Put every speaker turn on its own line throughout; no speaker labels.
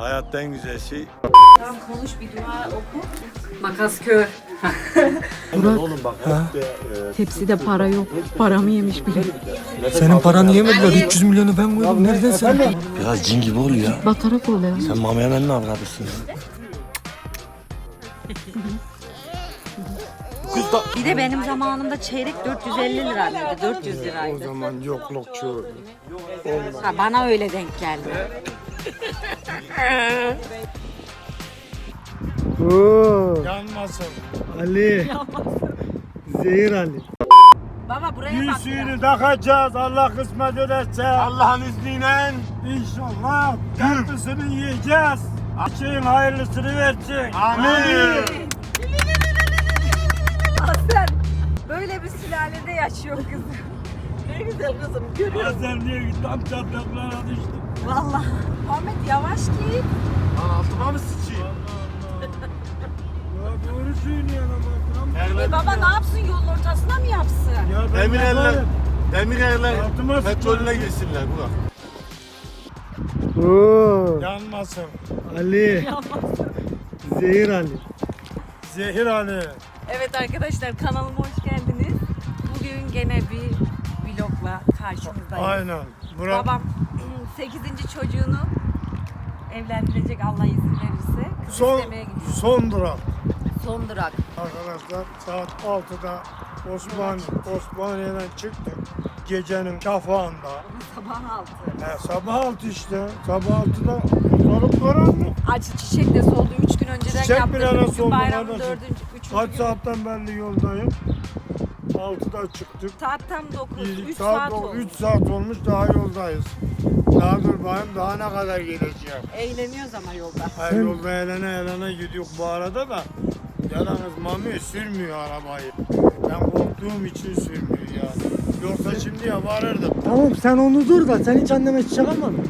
Hayatta en güzel şey.
Tamam konuş bir dua oku. Makas kör.
Oğlum bak.
Tepside para yok. Paramı yemiş bile.
Senin paranı yemediler. 300 milyonu ben koydum. Nereden sen?
Biraz cin gibi ol ya.
Batarak oluyor.
Sen Mami Emen'in avradısın.
Bir de benim zamanımda çeyrek 450 liraydı. 400 liraydı.
O zaman yoklukçu.
Ha, bana öyle denk geldi.
Oo,
Yanmasın.
Ali. Zehir Ali.
Baba buraya bak.
Yüzüğünü takacağız. Allah kısmet ederse. Allah'ın izniyle. İnşallah. Tatlısını yiyeceğiz. Açayım hayırlısını versin. Amin.
Aslen böyle bir sülalede yaşıyor kızım. Ne güzel kızım görüyor musun?
Bazen diyor ki tam çatlaklara düştüm.
Vallahi. Ahmet yavaş git.
Altıma mı sıçayım?
Ya doğru söylüyorsun ama.
Baba ne yapsın yolun ortasına mı yapsın?
Ya ben
Demir eller.
yaparım.
Demir eller.
Altıma
Petrolüne girsinler Burak.
Oo,
Yanmasın.
Ali. Zehir Ali.
Zehir Ali.
Evet arkadaşlar kanalıma hoş geldiniz. Bugün gene bir vlogla karşınızdayım.
Aynen. Burak.
Babam 8. çocuğunu evlendirecek Allah izin verirse. Kız
Son,
istemeye gidiyor.
son durak.
Son durak.
Arkadaşlar saat 6'da Osmaniye'den çıktık. Gecenin şafağında.
Sabah 6.
Sabah 6 işte. Sabah 6'da ortalık karanlık.
Acı çiçek de soldu. 3 gün önceden
Çiçek
yaptım.
bile nasıl
Bugün
oldu
bayramın
kardeşim?
4. 3.
Kaç
gün.
saatten belli yoldayım. 6'da çıktık.
Saat tam 9. 3
saat
saat oldu.
3 saat olmuş daha yoldayız. Daha dur bakayım daha ne kadar geleceğim.
Eğleniyoruz ama yolda.
Her yolda eğlene gidiyor bu arada da. Yalnız Mami sürmüyor arabayı. Ben korktuğum için sürmüyor ya. Yoksa şimdiye varırdım.
Tamam sen onu dur da sen hiç anneme çiçek almadın.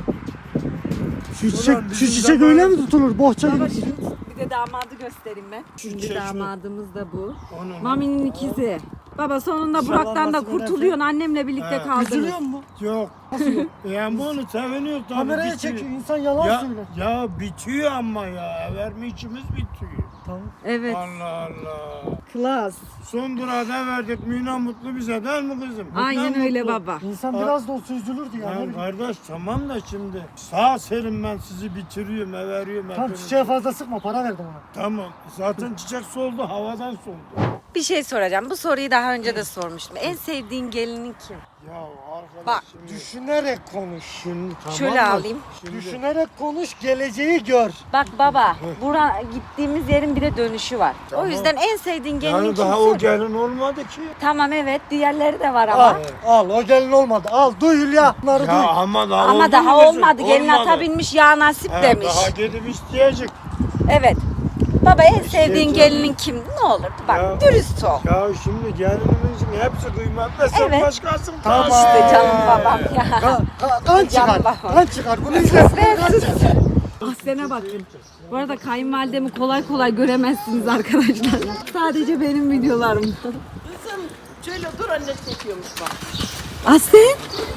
Şu çiçek,
Ulan
şu
bizim
çiçek
zaman-
öyle mi tutulur? Bohça
Baba
gibi.
şimdi bir de damadı göstereyim ben. Şimdi
çiçek şu.
damadımız da bu.
Onun-
Mami'nin ikizi. Baba sonunda
İnşallah
Burak'tan da
nasip
kurtuluyorsun. Annemle birlikte
He.
kaldınız.
Üzülüyor mu?
Yok. Yani bunu seviniyor tabii.
Kameraya
bitiyor.
çekiyor. İnsan yalan
Ya,
söyler.
ya bitiyor ama ya. Verme içimiz bitiyor.
Tamam.
Evet.
Allah Allah.
Klas.
Son durağı da verdik. Mina mutlu bize değil mi kızım?
Aynen
Mutlu
öyle
mutlu.
baba.
İnsan
Ha.
biraz da olsa üzülürdü ya.
Ya kardeş tamam da şimdi sağ selim ben sizi bitiriyorum, veriyorum.
Tamam
hepinizi.
çiçeğe fazla sıkma, para verdim ona.
Tamam. Zaten çiçek soldu, havadan soldu.
Bir şey soracağım. Bu soruyu daha önce de sormuştum. En sevdiğin gelinin kim?
Ya arkadaş
Bak,
şimdi...
Düşünerek konuş.
Şimdi tamam
Şöyle
da
alayım.
Şimdi,
Düşünerek konuş, geleceği gör.
Bak baba, gittiğimiz yerin bir de dönüşü var.
Tamam.
O yüzden en sevdiğin gelinin
yani
kim?
daha o
Söyle.
gelin olmadı ki.
Tamam evet, diğerleri de var ama.
Al, o gelin olmadı. Al, duy Hülya. Bunları duy.
Ya ama daha
Ama
oldu
daha
mu kızım?
olmadı. Gelin
Olmadı.
ata binmiş ya nasip
He,
demiş.
Daha gidip isteyecek.
Evet. Baba en sevdiğin
canım.
gelinin kim? Ne olurdu? Bak
Ya.
dürüst ol.
Ya şimdi gelinimizin hepsi kıymetli. Sen
Evet.
başkasın.
Tamam.
İşte canım babam ya.
Kan çıkar.
Canım babam.
Kan çıkar. Bunu izlesin.
Aslene bakın. Bu arada kayınvalidemi kolay kolay göremezsiniz arkadaşlar. Sadece benim videolarımda.
Kızım şöyle dur anne çekiyormuş bak.
Aslen.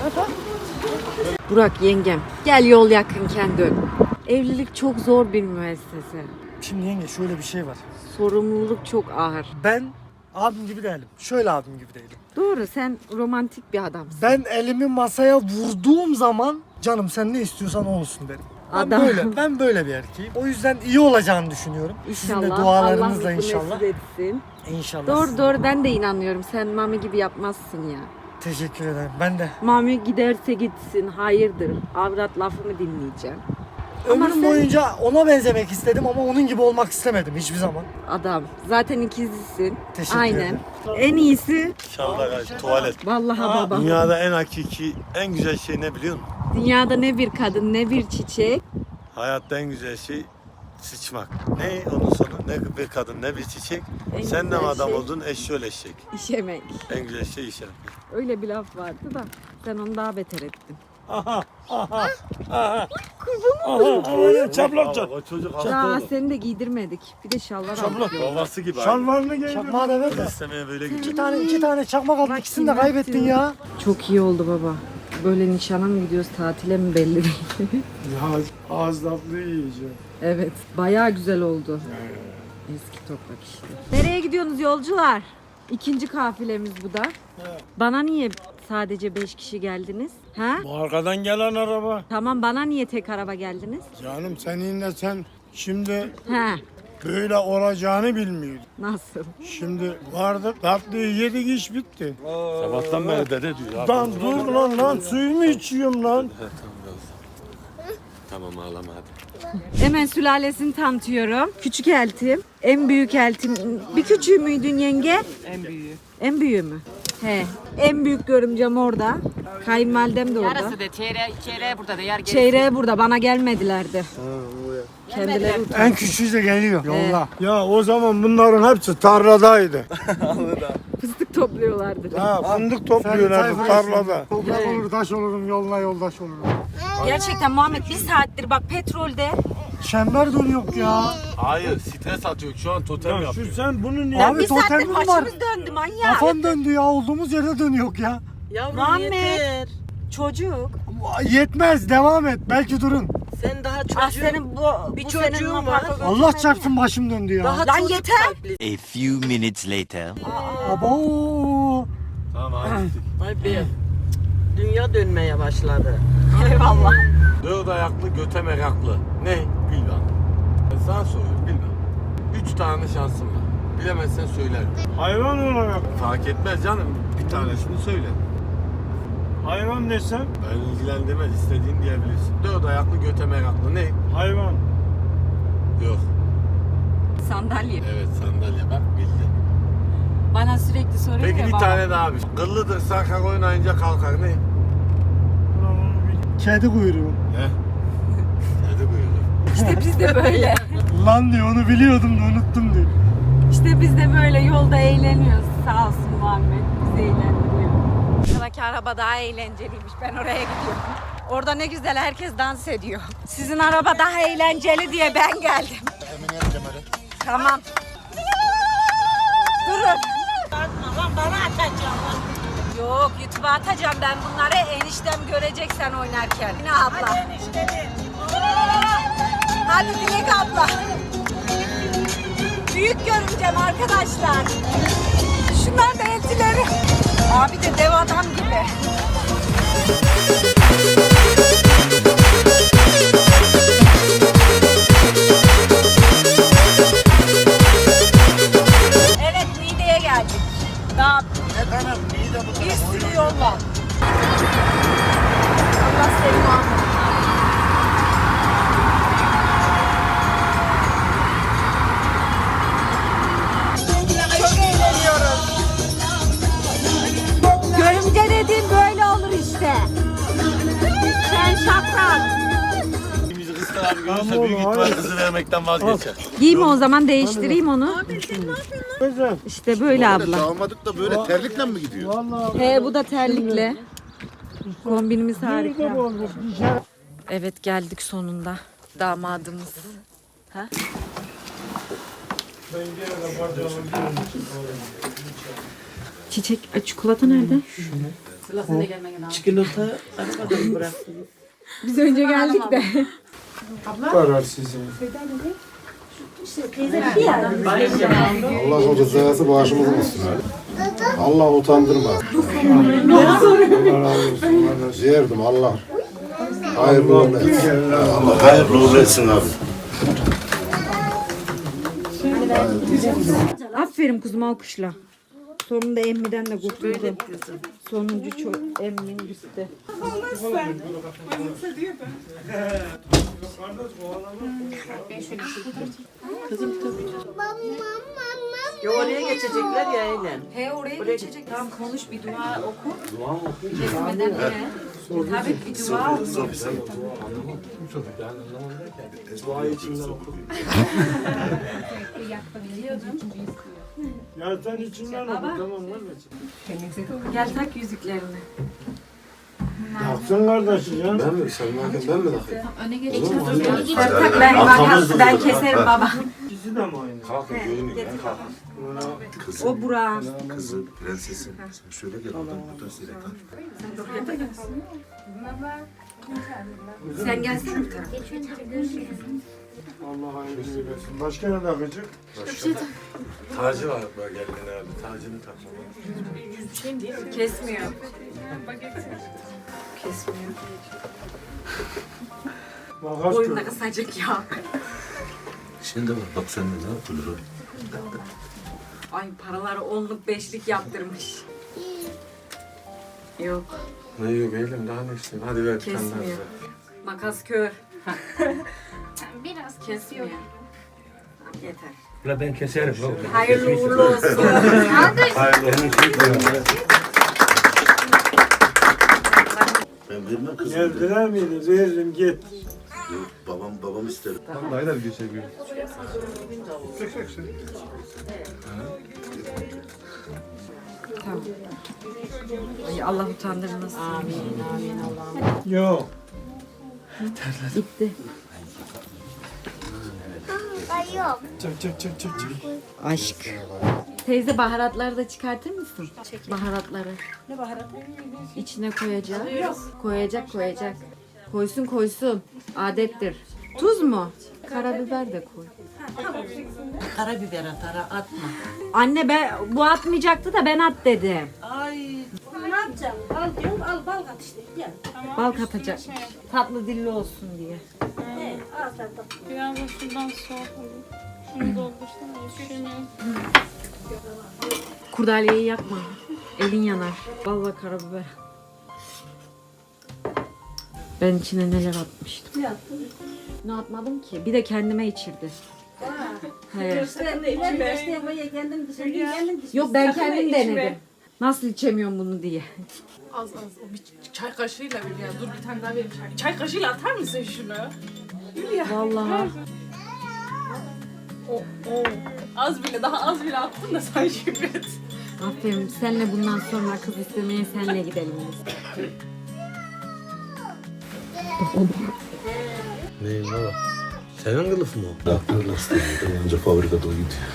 Burak yengem. Gel yol yakınken dön. Evlilik çok zor bir müessese.
Şimdi yenge şöyle bir şey var.
Sorumluluk çok ağır.
Ben abim gibi değilim. Şöyle abim gibi değilim.
Doğru sen romantik bir adamsın.
Ben elimi masaya vurduğum zaman canım sen ne istiyorsan o olsun derim.
Adam.
Ben böyle bir erkeğim. O yüzden iyi olacağını düşünüyorum. Sizin de
İnşallah.
dualarınızla
Allah
inşallah.
nasip etsin.
İnşallah.
Doğru doğru ben de inanıyorum. Sen Mami gibi yapmazsın ya.
Teşekkür ederim. Ben de.
Mami giderse gitsin. Hayırdır. Avrat lafımı dinleyeceğim. Ama
Ömrüm
sen-
boyunca ona benzemek istedim ama onun gibi olmak istemedim hiçbir zaman.
Adam. Zaten ikizlisin.
Teşekkür
Aynen.
ederim.
En iyisi
İnşallah kardeşim tuvalet.
vallahi baba.
Dünyada en hakiki, en güzel şey ne biliyor musun?
Dünyada ne bir kadın ne bir çiçek.
Hayatta en güzel şey sıçmak. Ne onun sonu? Ne bir kadın ne bir çiçek.
En
Sen de mi
güzel
adam
şey-
oldun eşşoğlu eşek.
İşemek.
En güzel şey işemek.
Öyle bir laf vardı da sen onu daha beter ettin.
Çaplak O çocuk
Daha seni de giydirmedik. Bir de şalvar aldık.
babası gibi. Şalvarını giydi.
Çakmağı da ver de.
İstemeye böyle gidiyor.
İki tane çakmak aldım. İkisini de kaybettin ya.
Çok iyi oldu baba. böyle nişana mı gidiyoruz, tatile mi belli değil.
Ya ağız tatlı yiyeceğim.
Evet, bayağı güzel oldu. Eski toprak işte. Nereye gidiyorsunuz yolcular? İkinci kafilemiz bu da. Bana niye sadece 5 kişi geldiniz? Ha?
Bu arkadan gelen araba.
Tamam, bana niye tek araba geldiniz?
Canım seninle sen şimdi
He,
böyle olacağını bilmiyordun.
nasıl?
Şimdi vardık tatlıyı yedik iş bitti.
Sabahtan beri dede diyor.
Lan dur lan suyumu içiyorum lan.
Tamam ağlama hadi.
Hemen sülalesini tanıtıyorum. Küçük eltim, en büyük eltim. Bir küçüğü müydün yenge? En büyüğü. En büyüğü mü? He. En büyük görümcem orada. Kayınvalidem de orada.
Yarısı da çeyreğe burada da yer gerisi.
Çeyreğe burada, bana gelmedilerdi. Kendileri
En küçüğü de geliyor yolla. Ya o zaman bunların hepsi tarladaydı.
fıstık topluyorlardı.
Ha fındık topluyorlardı tarlada.
Toprak olur, taş olurum, yoluna yoldaş olurum.
Gerçekten Muhammed bir saattir bak petrolde.
Çember dönüyor ya.
Hayır stres atıyor. Şu an totem
Ya şu
yapıyor.
sen bunu niye?
Abi
Bir saattir
totemim var.
başımız döndü manyak.
Kafam döndü ya, olduğumuz yerde dönüyor ya.
Yavrum
Muhammed.
yeter.
Çocuk.
Yetmez, devam et. Belki durun.
Sen daha
Ah
çocuğun.
senin
Bir
bu
çocuğun
senin
var.
apartman
Allah
götürmedi
çarpsın başım döndü ya.
Daha
Lan
çocuk
yeter.
kalpli.
A few minutes later.
Abo.
Tamam hadi.
Ay be. Dünya dönmeye başladı.
Eyvallah.
Dört ayaklı göte meraklı. Ne? Bilmem. Ben sana soruyorum bilmem. 3 tane şansım var. Bilemezsen söylerim.
Hayvan olarak.
Fark etmez canım. Bir tanesini söyle.
Hayvan desem
Ben ilgilendirmez. İstediğin diyebilirsin. Dört ayaklı göte meraklı. Ne?
hayvan.
Yok.
Sandalye.
Evet sandalye bak bildin.
Bana sürekli soruyor
Peki
ya
bir
baba.
tane daha bir. Kıllıdır sarkar oynayınca kalkar. Ne?
Ulan onu bil-
Kedi kuyruğu.
Ne? Hadi buyurun.
İşte biz de böyle.
Lan diyor, onu biliyordum da unuttum diyor.
İşte biz de böyle yolda eğleniyoruz. Sağ olsun Muhammed. Bizi eğlendiriyor. Sıradaki araba daha eğlenceliymiş. Ben oraya gidiyorum. Orada ne güzel herkes dans ediyor. Sizin araba daha eğlenceli diye ben geldim. Tamam. Durun.
Bana atacağım.
Yok, YouTube'a atacağım ben bunları. Eniştem görecek sen oynarken. Yine abla. Hadi Dilek abla. Büyük görümcem arkadaşlar. Şunlar da eltileri. Abi de dev adam gibi. Evet, Niğde'ye geldik. Daha bir sürü yol var. Allah seni muhafaza. Çok eğleniyoruz. Görümce dediğim böyle olur işte. Sen şaprak.
Bizi kızlar abi görürse büyük ihtimal kızı vermekten vazgeçer.
Giyme o zaman, değiştireyim onu.
Güzel.
İşte böyle abla.
Damadık da böyle terlikle mi gidiyor?
Vallahi
He, bu da terlikle. Kombinimiz
bir
harika.
de olmuş. Bir şey.
Evet, geldik sonunda. Damadımız. Ha?
Ben gene de bacağımı
Çiçek, çikolata nerede?
Çikolata arabada mı bıraktın?
Biz önce geldik de.
karar sizin.
Allah o rızası bağışımızın olsun. Allah utandırma. Yerdim Allah. Hayırlı uğurlu etsin. Allah hayırlı uğurlu etsin abi.
Aferin kuzum, alkışla. Sonunda emmiden de kurtuldu. Sonuncu emmin gitti.
Ya oraya geçecekler ya eğlen.
He, oraya geçecek. Tamam, konuş, bir dua oku. Dua mı oku? Kesmeden he. Tabii bir dua oku.
Ya sen içinden oku tamam kardeşim.
Gel tak yüzüklerini.
Taksın kardeşi ya.
Ben mi? Sen ben mi takayım?
Tak tak, ben keserim baba.
ikisi de mi aynı?
Kalkın görünüyor ya kalkın.
O Burak.
Kızı, prensesim. Sen şöyle gel oradan seyret.
Sen gelsene bir tarafa.
Allah hayırlısı versin. Başka ne takacak?
Tacı var böyle geldiğinde abi. Tacını takmalı.
Kesmiyor. Kesmiyor.
Makas
Boyun da
kır.
kısacık ya.
Şimdi var bak sen de ne yapılır.
Ay paraları 10'luk 5'lik yaptırmış. Yok,
Ne yok eğilim daha ne isteyeyim. Hadi ver bir tane daha.
kesmiyor.
ver.
Makas kör.
Biraz
Kesmiyor. Yeter.
La ben keserim.
Hayırlı uğurlu olsun.
Ben vermem kızım.
Geldiler miydi? Veririm git.
Yok babam ister.
Tamam. Ay Allah utandırmasın. Amin, amin Allah'ım.
Yok.
Gitti.
Çık çık çık çık çık.
Aşk. Teyze baharatları da çıkartır mısın? Baharatları. Ne baharatı? İçine koyacak. Koyacak. Koysun. Adettir. Tuz mu? Karabiber de koy.
Karabiber atar atma.
Anne bu atmayacaktı da ben at dedim.
ne yapacağım? Al diyorum, al bal kat işte. Gel.
Bal katacak. Tatlı dilli olsun diye.
Al sen de.
Biraz da şuradan soğuk olur. Şunu doldursana. Üşümüyorum.
Kurdaleyi yakma. Elin yanar. Bal ve karabiber. Ben içine neler atmıştım.
Ne yaptın?
Ne atmadım ki? Bir de kendime içirdi. He.
Ben işte buraya kendim dışarı kendim dışarı.
Yok ben kendim denedim. Nasıl içemiyorum bunu diye.
Az o bir çay kaşığıyla bir ya. Dur bir tane daha vereyim. Çay kaşığıyla atar mısın şunu?
Vallahi.
O. Az bile daha az bile attın da sen şükret.
Aferin. Senle bundan sonra kız istemeye senle gidelim biz.
Neyim baba? Senin kılıf mı o?
Traktör lastiği. Önce fabrikada o gidiyor.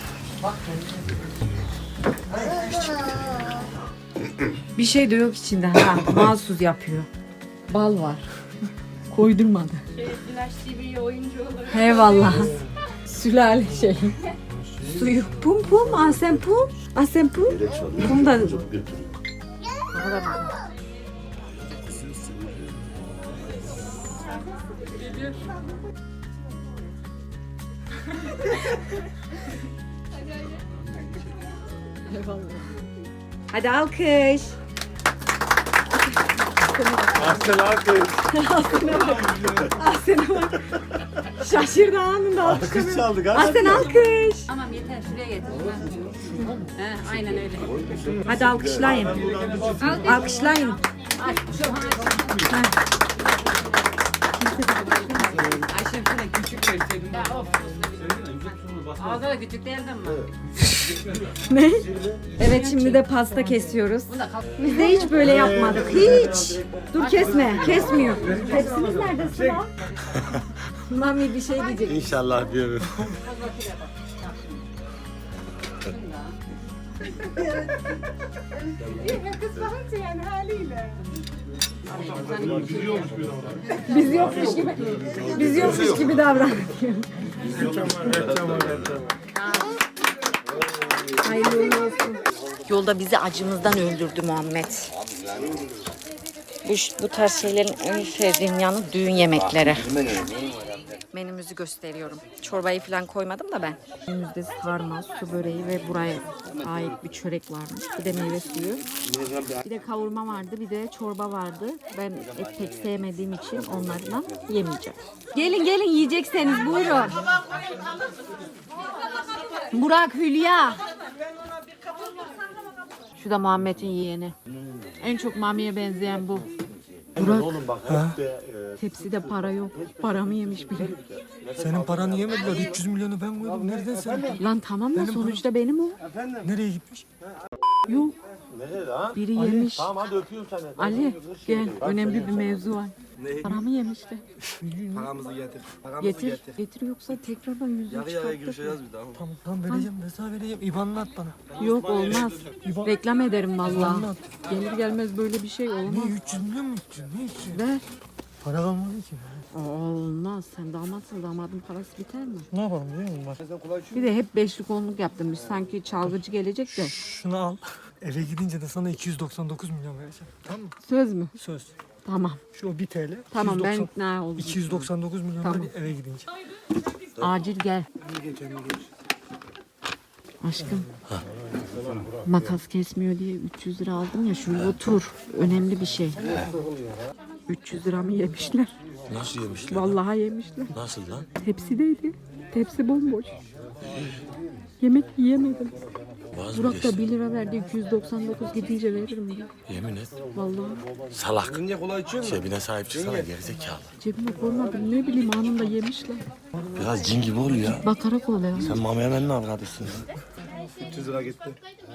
Bir şey de yok içinde. Ha, mahsus yapıyor. Bal var. Koydurmadı.
Flash TV oyuncu olur.
Eyvallah. Sülale şey. Suyu. Pum. Asem pum.
Gerek çalıyor.
Bunu da-
Götürüyor.
Hadi alkış.
Aslan alkış.
Asena bak. Şaşırdı anında alkış.
Alkış çaldık ha.
Asena alkış.
Tamam yeter şuraya getir. He, aynen öyle.
Hadi alkışlayın. Alkışlayın.
Ayşe şöyle küçük verseydin. Ya of. Ağzı da küçük değildi mi?
Ne? Evet şimdi de pasta kesiyoruz. Biz de hiç böyle yapmadık. Hiç. Dur kesme. Kesmiyor. Tepsimiz nerede Sıla? Mami bir şey diyecek.
İnşallah diyorum.
Biz yokmuş gibi davranıyor.
Reklam.
Hayırlı uğurlu olsun.
Yolda bizi acımızdan öldürdü Muhammed. Bu tarz şeylerin en sevdiğim yanı düğün yemekleri. Menümüzü gösteriyorum. Çorbayı falan koymadım da ben.
Önümüzde sarma, su böreği ve buraya ait bir çörek varmış. Bir de meyve suyu. Bir de kavurma vardı, bir de çorba vardı. Ben et pek sevmediğim için onlarla yemeyeceğim. Gelin yiyecekseniz buyurun. Burak, Hülya. Şu da Muhammed'in yeğeni. En çok Mami'ye benzeyen bu. Burak, tepside para yok. Paramı yemiş bile.
Senin paranı yemediler. 300 milyonu ben koydum. Nereden sen?
Lan tamam da sonuçta benim o.
Nereye gitmiş?
Yok. Biri yemiş.
Tamam hadi öpüyorum seni.
Ali gel önemli bir mevzu var.
Paramı yemişti.
Paramızı getir.
Getir yoksa tekrardan yüzüğü çıkarttır.
görüşeceğiz bir daha.
Tamam vereceğim. Ben sana vereceğim. İban'ını at bana.
Yok olmaz.
İban.
Reklam ederim
İban'ını
vallahi.
at.
Gelir gelmez böyle bir şey olmaz.
Ne 300 milyon mu 300? Ne 300?
Ver.
Para kalmadı ki.
Olmaz. Sen damatsın. Damadın parası biter mi?
Ne yapalım biliyor musun? Bak.
Bir de hep beşlik onluk yaptım. Biz sanki çalgıcı gelecek de.
Şunu al. Eve gidince de sana 299 milyon vereceğim. Tamam mı?
Söz mü?
Söz.
Tamam.
Şu 1 TL.
Tamam ben
290
ikna oldum.
299 milyon
Tamam.
ver eve gidince.
Acil gel. Aşkım. Makas kesmiyor diye 300 lira aldım ya. Şuraya otur. Önemli bir şey. 300 lira mı yemişler?
Nasıl yemişler?
Vallahi yemişler.
Nasıl lan?
Tepsideydi. Tepsi bomboş. Yemek yiyemedim. Burak da 1 lira verdi. 299 gidince veririm diyor.
Yemin et.
Vallahi
Salak. Cebine sahip çıksana gerizekalı.
cebime koymadım. Ne bileyim anında yemişler.
Biraz cin gibi ol ya.
Bakarak ol ya.
Sen Mami Emen'in arkadaşsın.
300 lira gitti.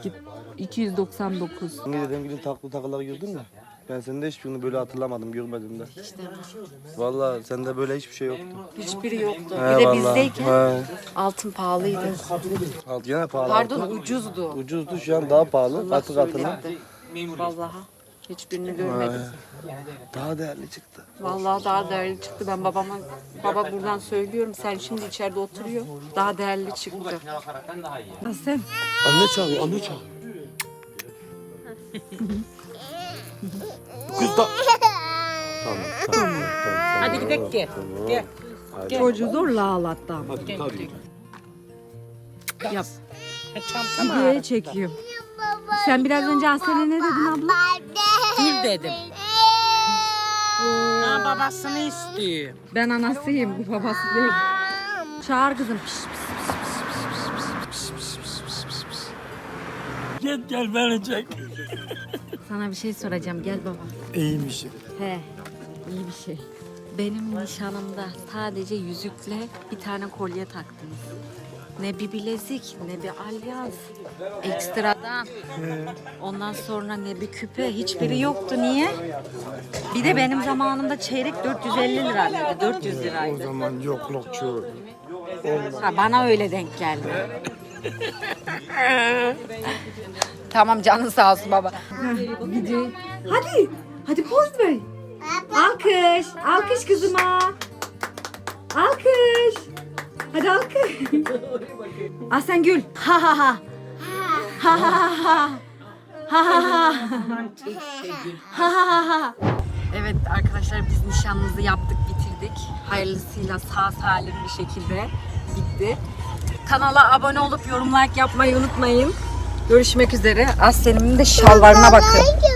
299.
Dediğim gibi takıları gördün mü? Ben senin de hiçbirini böyle hatırlamadım, görmedim de. Vallahi sende böyle hiçbir şey yoktu.
Hiçbiri yoktu.
He,
Bir de
vallahi.
bizdeyken
He.
altın pahalıydı.
Gene pahalı.
Pardon ucuzdu.
Ucuzdu, şu an daha pahalı. Katı katına.
Vallahi hiçbirini görmedim.
Daha değerli çıktı.
Vallahi daha değerli çıktı. Ben baba buradan söylüyorum. Sen şimdi içeride oturuyor. Daha değerli çıktı. Sen
Anne çağırıyor, anne çağırıyor. Kız da...
Hadi gidelim ki. Gel.
çocuğu zorla ağlattı ama.
Hadi tabii.
Yap. Videoya çekiyorum. Sen biraz önce Aslen'e ne dedin abla?
Gül dedim. Ha, babasını istiyor.
Ben anasıyım, bu babası değil. Çağır kızım.
Gel beni çek.
Sana bir şey soracağım. Gel baba.
İyiymiş.
He, iyi bir şey. Benim nişanımda sadece yüzükle bir tane kolye taktınız. Ne bir bilezik, ne bir alyans. Ekstradan. Ondan sonra ne bir küpe. Hiçbiri yoktu. Niye? Bir de benim zamanımda çeyrek 450 liraydı. 400
O
liraydı.
zaman yoklukçu.
Ha, bana öyle denk geldi. Tamam canın sağ olsun baba. Gidiyor. Hadi. Hadi poz ver. Alkış. Alkış kızıma. Alkış. Hadi alkış. Aslen gül. Ha ha ha. Ha ha ha ha. Ha ha ha. Ha ha ha. Evet arkadaşlar biz nişanımızı yaptık, bitirdik. Hayırlısıyla sağ salim bir şekilde bitti. Kanala abone olup yorum like yapmayı unutmayın. Görüşmek üzere. Aslen'imin de şalvarına bakın.